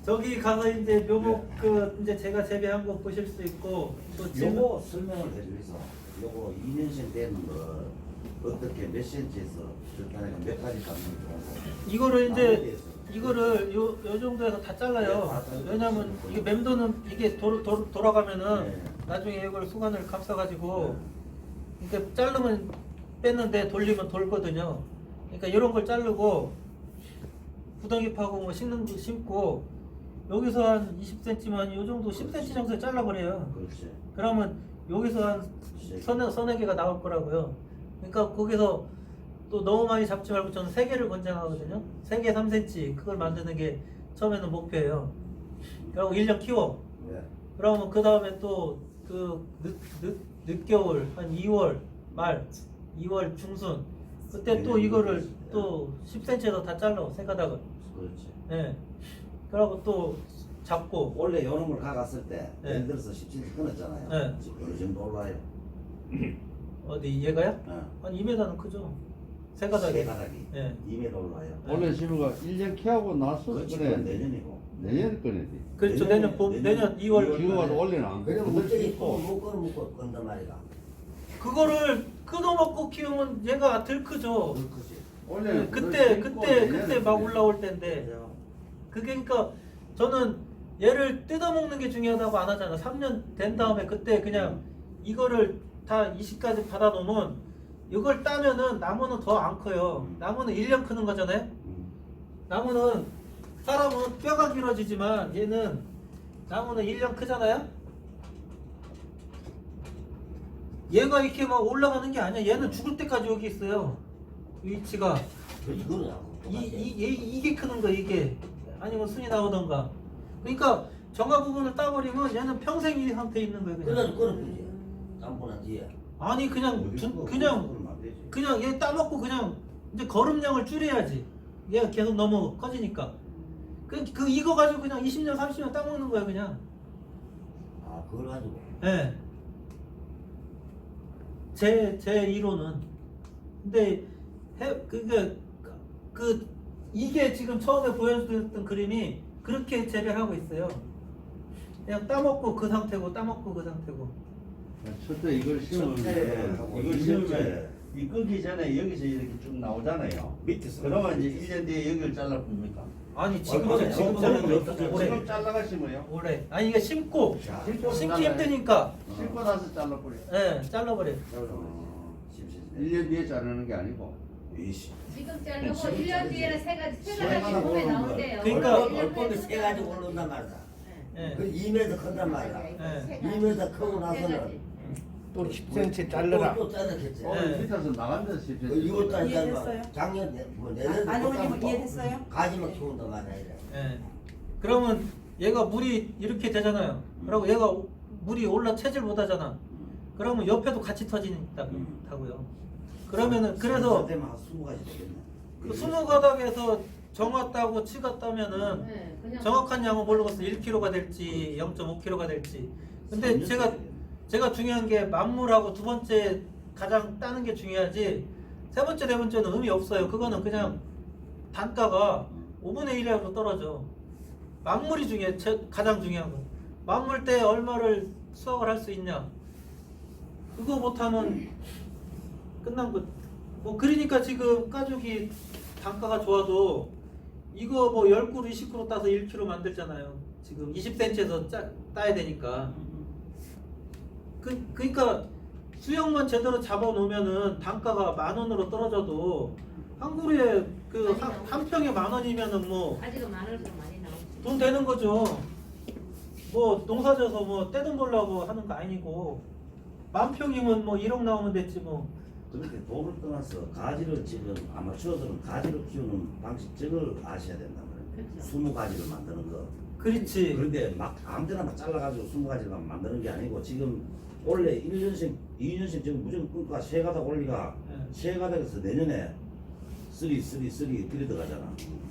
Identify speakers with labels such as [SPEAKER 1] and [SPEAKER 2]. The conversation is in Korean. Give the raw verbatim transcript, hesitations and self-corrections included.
[SPEAKER 1] 저기 가서 이제 묘목 그 이제 제가 재배한 거 보실 수 있고 또 지금
[SPEAKER 2] 요거 설명을 해주면서 요거 이 년씩 되는 거 어떻게 몇 센치에서 적당히가 몇 가지 잡는 게 좋은 거.
[SPEAKER 1] 이거를 이제
[SPEAKER 2] 나머지에서.
[SPEAKER 1] 이거를 요, 요 정도에서 다 잘라요.
[SPEAKER 2] 네, 다 잘라요.
[SPEAKER 1] 왜냐면 이게 맴도는 이게 도, 도, 돌아가면은
[SPEAKER 2] 네.
[SPEAKER 1] 나중에 이걸 수건을 감싸가지고 이렇게 자르면 뺐는데 돌리면 돌거든요. 그러니까 이런 걸 자르고 구덩이 파고 뭐 심는 거 심고 여기서 한 이십 센티미터만 요 정도 십 센티미터 정도 잘라버려요.
[SPEAKER 2] 그렇지.
[SPEAKER 1] 그러면 여기서 한 서너, 서너 개가 나올 거라고요. 그러니까 거기서 또 너무 많이 잡지 말고 저는 세 개를 권장하거든요. 세 개 삼 센티미터 그걸 만드는 게 처음에는 목표예요. 그리고 일 년 키워.
[SPEAKER 2] 네.
[SPEAKER 1] 그러면 그 다음에 또 그 늦, 늦, 늦겨울 한 이월 말, 이월 중순 그때 또 이거를 또 십 센티미터에서 다 잘라 세 가닥을.
[SPEAKER 2] 그렇지.
[SPEAKER 1] 예. 그러고 또 잡고
[SPEAKER 2] 원래 요놈을 가갔을 때
[SPEAKER 1] 네.
[SPEAKER 2] 예를 들어서 십 센티미터 끊었잖아요.
[SPEAKER 1] 네.
[SPEAKER 2] 지금 어느 정도 올라요?
[SPEAKER 1] 어디 얘가요?
[SPEAKER 2] 어.
[SPEAKER 1] 한 이 미터는 크죠. 세
[SPEAKER 2] 세
[SPEAKER 1] 가닥이.
[SPEAKER 2] 가닥이
[SPEAKER 1] 예.
[SPEAKER 2] 이 미터 올라요.
[SPEAKER 3] 원래 시부가 일 년 키하고 나서
[SPEAKER 2] 그렇지.
[SPEAKER 3] 그래
[SPEAKER 2] 그건 내년이고.
[SPEAKER 3] 내년 꺼내지.
[SPEAKER 1] 그렇죠.
[SPEAKER 2] 내년에-
[SPEAKER 1] 내년 봄,
[SPEAKER 2] 내년
[SPEAKER 1] 내년 이월.
[SPEAKER 3] 지금 와서 원래는 안
[SPEAKER 4] 그냥
[SPEAKER 3] 그래도
[SPEAKER 4] 물때기
[SPEAKER 3] 있고.
[SPEAKER 4] 묶어 묶어 건단 말이다.
[SPEAKER 1] 그거를 끊어먹고 키우면 얘가 덜 크죠.
[SPEAKER 2] 그렇지.
[SPEAKER 3] 원래는
[SPEAKER 1] 그때
[SPEAKER 3] 그걸
[SPEAKER 1] 그때
[SPEAKER 3] 심고
[SPEAKER 1] 그때 막
[SPEAKER 3] 내년에
[SPEAKER 1] 올라올 때인데 그게 그러니까 저는 얘를 뜯어먹는 게 중요하다고 안 하잖아. 삼 년 된 다음에 그때 그냥 이거를 다 이십까지 받아 놓으면 이걸 따면은 나무는 더 안 커요. 나무는 일 년 크는 거잖아요.
[SPEAKER 2] 음.
[SPEAKER 1] 나무는 사람은 뼈가 길어지지만 얘는 나무는 일 년 크잖아요. 얘가 이렇게 막 올라가는 게 아니야. 얘는 죽을 때까지 여기 있어요. 위치가
[SPEAKER 4] 이거는
[SPEAKER 1] 이, 이, 얘, 이게 크는 거 이게 아니면 순이 나오던가. 그러니까 정화 부분을 따버리면 얘는 평생 이 상태에 있는 거예요. 그냥.
[SPEAKER 4] 그래가지고 끊어주지. 땀보나 뒤에.
[SPEAKER 1] 아니 그냥
[SPEAKER 2] 어디
[SPEAKER 1] 두,
[SPEAKER 2] 그거
[SPEAKER 1] 그냥
[SPEAKER 2] 그러면 안 되지.
[SPEAKER 1] 그냥 얘 따먹고 그냥 이제 거름량을 줄여야지. 얘가 계속 너무 커지니까. 그, 그 이거 가지고 그냥 이십 년 삼십 년 따먹는 거야 그냥.
[SPEAKER 4] 아 그걸 가지고.
[SPEAKER 1] 예. 제, 제 이론은. 근데, 해, 그게, 그, 이게 지금 처음에 보여드렸던 그림이 그렇게 재배를 하고 있어요. 그냥 따먹고 그 상태고, 따먹고 그 상태고.
[SPEAKER 3] 첫째 이걸 심으면
[SPEAKER 2] 첫째,
[SPEAKER 3] 이걸
[SPEAKER 2] 이
[SPEAKER 3] 심으면
[SPEAKER 2] 년째.
[SPEAKER 3] 이 끄기 전에 여기서 이렇게 쭉 나오잖아요.
[SPEAKER 2] 밑에서.
[SPEAKER 3] 그러면 이제 일 년 뒤에 여기를 잘라 봅니까?
[SPEAKER 1] 아니, 지금,
[SPEAKER 2] 어,
[SPEAKER 1] 지금,
[SPEAKER 2] 지금
[SPEAKER 1] 지금
[SPEAKER 2] 자르는
[SPEAKER 1] 자르는
[SPEAKER 2] 거
[SPEAKER 1] 거
[SPEAKER 2] 없어져.
[SPEAKER 1] 올해.
[SPEAKER 3] 지금 잘라가 심어요.
[SPEAKER 1] 올해. 아니, 이게 심고,
[SPEAKER 2] 자,
[SPEAKER 1] 심기 힘드니까,
[SPEAKER 3] 심고 나서 잘라버려.
[SPEAKER 1] 예, 잘라버려.
[SPEAKER 2] 어, 심심해.
[SPEAKER 3] 일 년 뒤에 자르는 게 아니고.
[SPEAKER 2] 이씨.
[SPEAKER 5] 지금 자르고
[SPEAKER 4] 지금
[SPEAKER 5] 일 년
[SPEAKER 4] 자르지.
[SPEAKER 5] 뒤에는 세 가지 세
[SPEAKER 2] 세
[SPEAKER 5] 가지
[SPEAKER 2] 가닥
[SPEAKER 5] 몸에
[SPEAKER 2] 오르는
[SPEAKER 5] 나온대요.
[SPEAKER 1] 그러니까
[SPEAKER 4] 얼- 얼법이 세 가지 올라온단 말이다.
[SPEAKER 1] 예.
[SPEAKER 4] 그 이 미터 큰단 말이다.
[SPEAKER 1] 네.
[SPEAKER 4] 이 미터 크고 나서는
[SPEAKER 6] 또 십 센티미터 잘라라.
[SPEAKER 4] 또, 또 자르겠지.
[SPEAKER 3] 어,
[SPEAKER 1] 네.
[SPEAKER 3] 밑에서 나간다 싶지.
[SPEAKER 4] 그 이것도
[SPEAKER 7] 이해됐어요?
[SPEAKER 4] 아니잖아. 작년 내- 뭐 내년
[SPEAKER 7] 아버님 이해됐어요?
[SPEAKER 4] 가지만 키운단 말이야. 이래.
[SPEAKER 1] 예. 그러면 얘가 물이 이렇게 되잖아요. 그리고 얘가 오- 물이 올라 체질 못 하잖아. 그러면 옆에도 같이 터진다고요. 그러면은 그래서
[SPEAKER 2] 되면 한 스무 가지 되겠네.
[SPEAKER 1] 그 스무 가닥에서 정화 따고 치가 따면은
[SPEAKER 5] 네, 그냥
[SPEAKER 1] 정확한 양은 모르겠어. 일 킬로그램가 될지 영 점 오 킬로그램가 될지. 근데 제가 제가 중요한 게 만물하고 두 번째 가장 따는 게 중요하지. 세 번째 네 번째는 의미 없어요. 그거는 그냥 단가가 오분의 일으로 떨어져. 만물이 중요해. 제- 가장 중요한 건. 만물 때 얼마를 수확을 할 수 있냐. 그거 못하면 끝난 거. 뭐 그러니까 지금 가죽이 단가가 좋아도 이거 뭐 십 그루 이십 그루 따서 일 킬로그램 만들잖아요. 지금 이십 센티미터에서 짜, 따야 되니까. 그, 그러니까 수영만 제대로 잡아 놓으면은 단가가 만 원으로 떨어져도 한 그루에 그 한 한 평에 만 원이면은 뭐
[SPEAKER 5] 아직은 만 원으로 많이 나오지.
[SPEAKER 1] 돈 되는 거죠. 뭐 농사져서 뭐 떼돈 벌려고 하는 거 아니고 만 평이면 뭐 일억 나오면 됐지 뭐.
[SPEAKER 2] 그렇게 돈을 떠나서 가지를 지금 아마추어들은 가지를 키우는 방식 저걸 아셔야 된단 말이에요.
[SPEAKER 5] 그렇죠.
[SPEAKER 2] 스무 가지를 만드는 거.
[SPEAKER 1] 그렇지.
[SPEAKER 2] 그런데 막 아무데나 막 잘라가지고 스무 가지만 만드는 게 아니고 지금 원래 일 년씩, 이 년씩 지금 무조건 끊고 세 가닥 올리가
[SPEAKER 1] 네.
[SPEAKER 2] 세 가닥에서 내년에 쓰리 쓰리 쓰리 들이 들어가잖아.